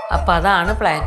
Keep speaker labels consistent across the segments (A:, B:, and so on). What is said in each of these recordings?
A: അപ്പം അതാണ് പ്ലാൻ.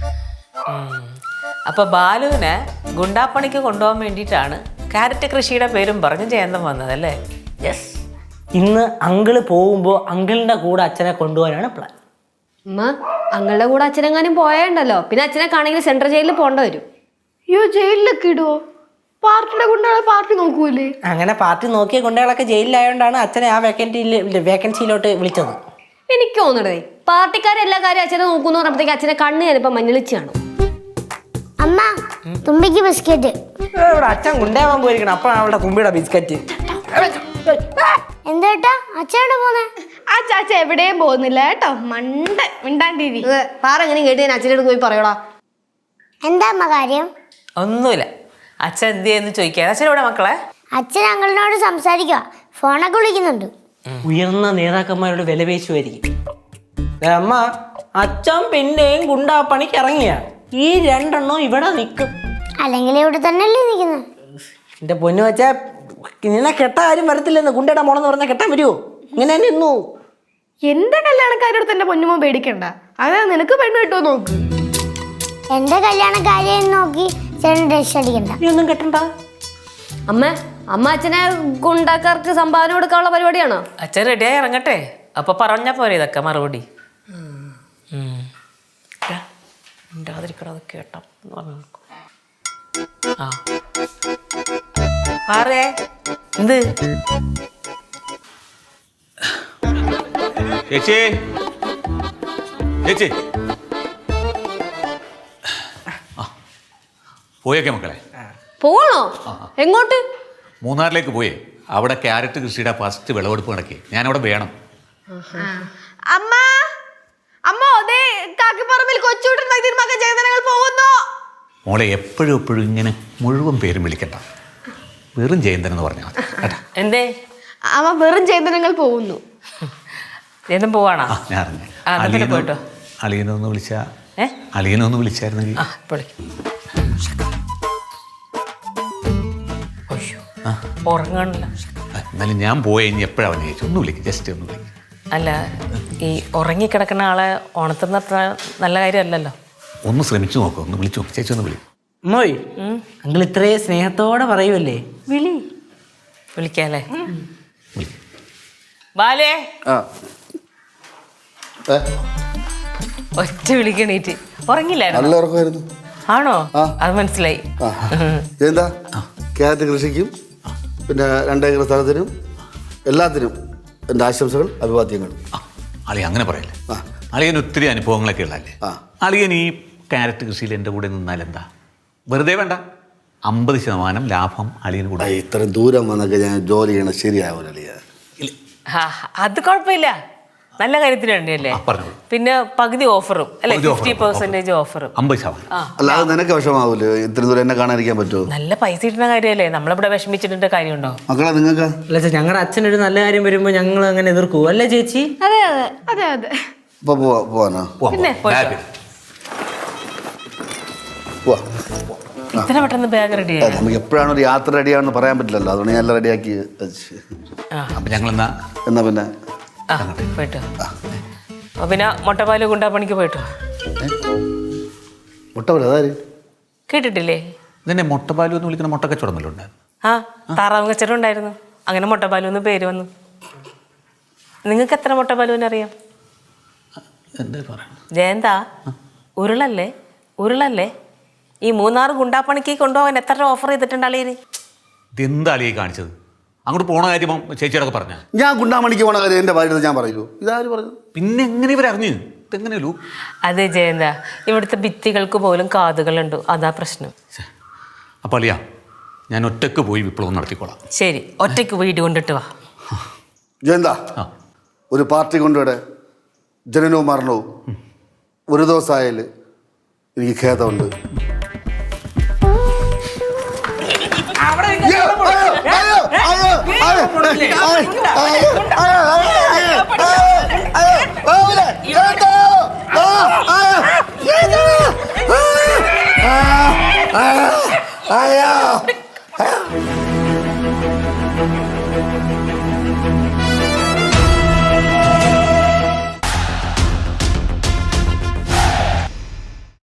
A: അപ്പോൾ ബാലുവിനെ ഗുണ്ടാപ്പണിക്ക് കൊണ്ടുപോകാൻ വേണ്ടിയിട്ടാണ് ക്യാരറ്റ് കൃഷിയുടെ പേരും പറഞ്ഞ് ജയന്തം വന്നതല്ലേ?
B: യെസ്. ഇന്ന് അങ്കിള് പോകുമ്പോൾ അങ്കിളിൻ്റെ കൂടെ അച്ഛനെ കൊണ്ടുപോകാനാണ് പ്ലാൻ.
C: അമ്മ അങ്ങളുടെ കൂടെ അച്ഛനെങ്ങാനും പോയണ്ടല്ലോ, പിന്നെ അച്ഛനെ കാണെങ്കിൽ സെൻട്രൽ ജയിലിൽ പോകേണ്ട വരും.
D: അയ്യോ, ജയിലിലൊക്കെ ഇടുവോ? പാർട്ടിയുടെ കൊണ്ടാണ് പാർട്ടി നോക്കൂലേ?
B: അങ്ങനെ പാർട്ടി നോക്കിയ ഗുണ്ടകളൊക്കെ ജയിലിലായോണ്ടാണ് അച്ഛനെ ആ വേക്കൻസിയിലോട്ട് വിളിച്ചത്.
C: എനിക്ക് തോന്നണേ പാർട്ടിക്കാരെല്ലാ കാര്യം അച്ഛനെ നോക്കുന്നു പറഞ്ഞപ്പോഴത്തേക്ക് അച്ഛനെ കണ്ണ് ഞാനിപ്പോ മഞ്ഞളിച്ച് കാണും.
E: അമ്മ തുമ്പിക്ക് ബിസ്ക്കറ്റ്.
B: ഇവിടെ അച്ഛൻ ഗുണ്ടയാവാൻ പോയിരിക്കണം, അപ്പോഴാണ് അവളുടെ തുമ്പിയുടെ ബിസ്ക്കറ്റ്.
E: എന്താ അച്ഛനോട് പോന്നെ?
D: ആ ചാച്ച എവിടെയും പോകുന്നില്ല കേട്ടോ, മണ്ട മിണ്ടാണ്ടിരി.
C: പാറെങ്ങനെ കേട്ട് ഞാൻ അച്ഛനോട് പോയി പറയടാ.
E: എന്താ അമ്മ കാര്യം?
A: ഒന്നുമില്ല. അച്ഛൻ എന്ത് ചെയ്യുന്നു ചോദിക്കുക. അച്ഛൻ ഇവിടെ മക്കളെ?
E: അച്ഛൻ അങ്കിളിനോട് സംസാരിക്കുക, ഫോണൊക്കെ വിളിക്കുന്നുണ്ട്.
B: ഉയർന്ന നേതാക്കന്മാരോട് വിലപേശുമായിരിക്കും. അമ്മ, അച്ഛൻ പിന്നെയും ഗുണ്ടാപ്പണിക്ക് ഇറങ്ങിയ ഈ രണ്ടെണ്ണം ഇവിടെ നിൽക്കും.
E: അല്ലെങ്കിൽ ഇവിടെ തന്നെയല്ലേ നിൽക്കുന്നത്?
B: എന്റെ പൊന്നു വെച്ചാ നിന്നെ കെട്ടാൻ ആരും വരത്തില്ലെന്ന്. ഗുണ്ടയുടെ മോളെന്ന് പറഞ്ഞാൽ കെട്ടാൻ വരുമോ? ഇങ്ങനെ തന്നെ നിന്നു.
D: എന്റെ കല്യാണക്കാരോട് തന്നെ പൊന്നുമോ പേടിക്കണ്ട, അതാ നിനക്ക് പെണ്ണ് കിട്ടുമോ നോക്ക്.
E: എന്റെ കല്യാണക്കാരെയും നോക്കി ചേട്ടൻ ഡ്രസ് അടിക്കണ്ട.
B: നീ ഒന്നും കെട്ടണ്ട.
C: അമ്മ അച്ഛനെ ഗുണ്ടാക്കാർക്ക് സംഭാവന കൊടുക്കാനുള്ള പരിപാടിയാണോ?
A: അച്ഛൻ റെഡിയായി ഇറങ്ങട്ടെ, അപ്പോൾ പറഞ്ഞാൽ പോരെ ഇതൊക്കെ മറുപടി. ഉണ്ടാതിരിക്കണത് കേട്ടോ എന്ന് പറഞ്ഞു. ആ ആറേ എന്ത്
F: ചേച്ചി, ചേച്ചി പോയേക്കെ മക്കളെ?
C: പോകണോ? എങ്ങോട്ട്?
F: മൂന്നാറിലേക്ക് പോയേ. അവിടെ ക്യാരറ്റ് കൃഷിയുടെ ഫസ്റ്റ് വിളവെടുപ്പ് നടക്കി. ഞാനവിടെ വേണം.
D: അമ്മ അമ്മ അതേ കാക്കിപ്പറമ്പിൽ കൊച്ചുവിട്ടൻ മകൻ ജയന്തനങ്ങൾ പോകുന്നു.
F: മോളെ എപ്പോഴും ഇങ്ങനെ മുഴുവൻ പേരും വിളിക്കണ്ട, വെറും ജയന്തൻ എന്ന് പറഞ്ഞാൽ മതി കേട്ടാ.
A: എന്തേ?
D: അമ്മ വെറും ജയന്തനങ്ങൾ പോകുന്നു.
A: ജയന്തൻ പോവാണോ?
F: ഞാൻ അറിഞ്ഞു.
A: പോയിട്ടോ.
F: അളിയനൊന്ന് വിളിച്ചാ അളിയനൊന്ന് വിളിച്ചായിരുന്നെങ്കിൽ.
A: ഉറങ്ങാണില്ല.
F: എന്നാലും ഞാൻ പോയ ഇനി എപ്പോഴാണ് അവനെ ചേച്ചി ഒന്ന് വിളിക്കും, ജസ്റ്റ് ഒന്ന് വിളിക്കും.
A: അല്ല, ഈ ഉറങ്ങിക്കിടക്കുന്ന ആളെ ഉണർത്തുന്ന അത്ര നല്ല കാര്യമല്ലല്ലോ.
F: ഒന്ന് ശ്രമിച്ചു നോക്കും, ഒന്ന് വിളിച്ചു നോക്കും. ചേച്ചി ഒന്ന് വിളിക്കും.
B: മോയ്, അങ്കിൾ ഇത്രയും സ്നേഹത്തോടെ പറയുമല്ലേ,
A: വിളിക്കാല്ലേ? ബാലേ, ഒറ്റ വിളിക്കണീറ്റ്. ഉറങ്ങില്ലായിരുന്നു?
G: നല്ല ഉറക്കമായിരുന്നു.
A: ആണോ? അത് മനസ്സിലായി.
G: എന്താ ക്യാരറ്റ് കൃഷിക്കും പിന്നെ 2 ഏക്കർ സ്ഥലത്തിനും എല്ലാത്തിനും എൻ്റെ ആശംസകൾ, അഭിവാദ്യങ്ങൾ.
F: അളിയ അങ്ങനെ പറയല്ലേ. അളിയൻ ഒത്തിരി അനുഭവങ്ങളൊക്കെ ഉള്ളതല്ലേ. അളിയൻ ഈ ക്യാരറ്റ് കൃഷിയിൽ എൻ്റെ കൂടെ നിന്നാൽ എന്താ? വെറുതെ വേണ്ട, 50% ലാഭം അളിയന് കൂടെ.
G: ഇത്രയും ദൂരം വന്നൊക്കെ ഞാൻ ജോലി ചെയ്യണം ശരിയാവില്ല അളിയ.
A: അത് കുഴപ്പമില്ല, നല്ല കാര്യത്തിന് വേണ്ടിയല്ലേ. പിന്നെ പകുതി ഓഫറും അല്ലെ, 50% ഓഫറും.
F: 50%.
G: അല്ലാതെ നിനക്ക് വിഷമാവൂല്ലോ ഇത്രയും ദൂരം എന്നെ കാണാതിരിക്കാൻ പറ്റുമോ?
A: നല്ല പൈസ കിട്ടുന്ന കാര്യമല്ലേ, നമ്മളിവിടെ വിഷമിച്ചിട്ട് കാര്യമുണ്ടോ?
G: മക്കളെ നിങ്ങൾക്ക്
B: അല്ല, ഞങ്ങളുടെ അച്ഛനൊരു നല്ല കാര്യം വരുമ്പോൾ ഞങ്ങൾ അങ്ങനെ എതിർക്കൂ അല്ലേ ചേച്ചി?
D: അതെ അതെ അതെ അതെ.
G: ഇപ്പൊ പോവാനോ?
A: പിന്നെ ഇത്ര പെട്ടെന്ന് ബാഗ് റെഡി ആയി?
G: നമുക്ക് എപ്പോഴാണ് ഒരു യാത്ര റെഡിയാണെന്ന് പറയാൻ പറ്റില്ലല്ലോ, അതുകൊണ്ട് ഞാൻ എല്ലാം റെഡിയാക്കി വെച്ച്.
F: അപ്പം ഞങ്ങൾ
G: എന്നാ പിന്നെ
A: പോയിട്ടോ. പിന്നെ മുട്ടപ്പാല് ഗുണ്ടാപ്പണിക്ക് പോയിട്ടോ.
G: മുട്ടപ്പാല് അതാര്
A: കേട്ടിട്ടില്ലേ?
F: ഇതിനെ മുട്ടപ്പാലു എന്ന് വിളിക്കുന്ന മുട്ടക്കച്ചവടം വല്ലതും ഉണ്ടായിരുന്നു.
A: താറാവ് കച്ചവടം ഉണ്ടായിരുന്നു, അങ്ങനെ മുട്ടപ്പാലു എന്ന് പേര് വന്നു. നിങ്ങൾക്ക് എത്ര മുട്ടപ്പാലുവിനെ അറിയാം?
F: എന്താ പറയുക
A: ജയന്താ, ഉരുളല്ലേ ഈ 3 ഗുണ്ടാപ്പണിക്ക് കൊണ്ടുപോകാൻ എത്ര ഓഫർ ചെയ്തിട്ടുണ്ട് അളിയന്?
F: ഇതെന്താ അളിയെ കാണിച്ചത്? അങ്ങോട്ട് പോണ കാര്യം ചേച്ചിയോടൊക്കെ പറഞ്ഞ
G: ഞാൻ ഗുണ്ടാമണിക്ക് പോണ കാര്യം എൻ്റെ ഭാര്യ ഞാൻ പറയൂ. ഇതാര് പറഞ്ഞു?
F: പിന്നെ എങ്ങനെ ഇവരറിഞ്ഞു? ഇതെങ്ങനെയല്ലോ?
A: അതെ ജയന്ത, ഇവിടുത്തെ ഭിത്തികൾക്ക് പോലും കാതുകളുണ്ട്, അതാ പ്രശ്നം.
F: അപ്പം അളിയാ, ഞാൻ ഒറ്റക്ക് പോയി വിപ്ലവം നടത്തിക്കോളാം.
A: ശരി, ഒറ്റയ്ക്ക് വീട് കൊണ്ടിട്ട് വാ.
G: ജയന്താ, ഒരു പാർട്ടി കൊണ്ടുവിടെ ജനനവും മരണവും ഒരു ദിവസമായാൽ എനിക്ക് ഖേദമുണ്ട്.